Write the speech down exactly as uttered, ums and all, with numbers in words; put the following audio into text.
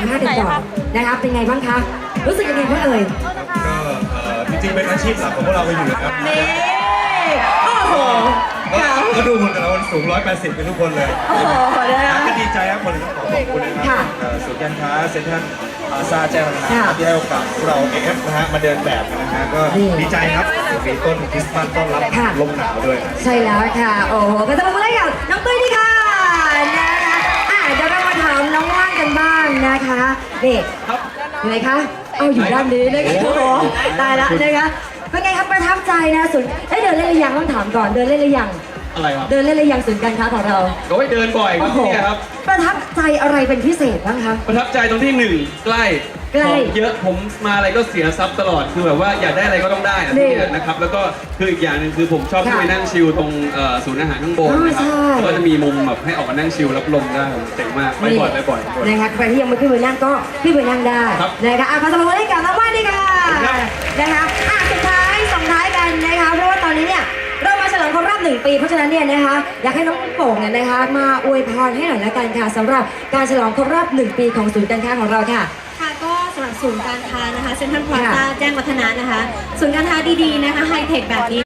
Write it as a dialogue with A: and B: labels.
A: มภาษณ์กันก่อนนะคะเป็นไงบ้างคะรู้สึกยังไงบ้างเอ่ย
B: ก็จริงๆเป็นอาชีพหลักของพวกเราไปอยู่แล้ว
A: นี่โอ้โห
B: ก็ดูคนแต่ละคนสูงร้อยแปดสิบเป็นทุกคนเลย
A: โอ้โหนะคะ
B: ก็ดีใจครับคนต้องขอขอบคุณนะครับศูนย์การค้าเซ็นทรัลพลาซ่าแจ้งวัฒนะที่ให้โอกาสพวกเราเอฟนะฮะมาเดินแบบนะฮะก็ดีใจครับมีต้นคริสต์มาสต้อนรับลมหนาวด้วย
A: ใช่แล้วค่ะโอ้โหก็จะมาเล่นกับน้องตุ้ยดีค่ะนะคะอ่ะเดี๋ยวเรามาถามน้องว่างกันบ้างนะคะนี่ยังไงคะเอาอยู่ด้านนี้นะคะโอ้โหตายละนะคะเป็นไงครับประทับใจนะสุดได้เดินเล่นหรือยังต้องถามก่อนเดินเล่นหรือยัง
C: อะไรครับ
A: เดินเล่นหรือยังศูนย์การค้าของเรา
C: ก็ไปเดินบ่อยครับที่นี่ครับ
A: ประทับใจอะไรเป็นพิเศษบ้างคะ
C: ประทับใจตรงที่หนึ่งใกล้ของเยอะผมมาอะไรก็เสียทรัพย์ตลอดคือแบบว่าอยากได้อะไรก็ต้องได้นะครับแล้วก็คืออีกอย่างหนึ่งคือผมชอบที่ไปนั่งชิลตรงศูนย์อาหารข้างบนนะครับก็จะมีมุมแบบให้ออกมานั่งชิลรับลมได้เจ๋งมากไปบ่อยไปบ่อย
A: นะคะใครที่ยังไม่ขึ้นไปนั่งก็ขึ้นไปนั่งได้นะคะอ่ะพาสมาเล่นกับน้องว่านดีค่ะนะคะอ่ะสุดท้ายส่งท้ายกันนะคะเพราะว่าตอนนี้เนี่ยเรามาฉลองครบรอบหนึ่งปีเพราะฉะนั้นเนี่ยนะคะอยากให้น้องโป่งเนี่ยนะคะมาอวยพรให้หน่อยละกันค่ะสำหรับการฉลองครบรอบหนึ่งปีของศูนย์การค้าของเราค่ะ
D: ค่ะก็สำหรับศูนย์การค้านะคะเซ็นทรัลพลาซ่าแจ้งวัฒนะนะคะศูนย์การค้าดีๆนะคะไฮเทคแบบนี้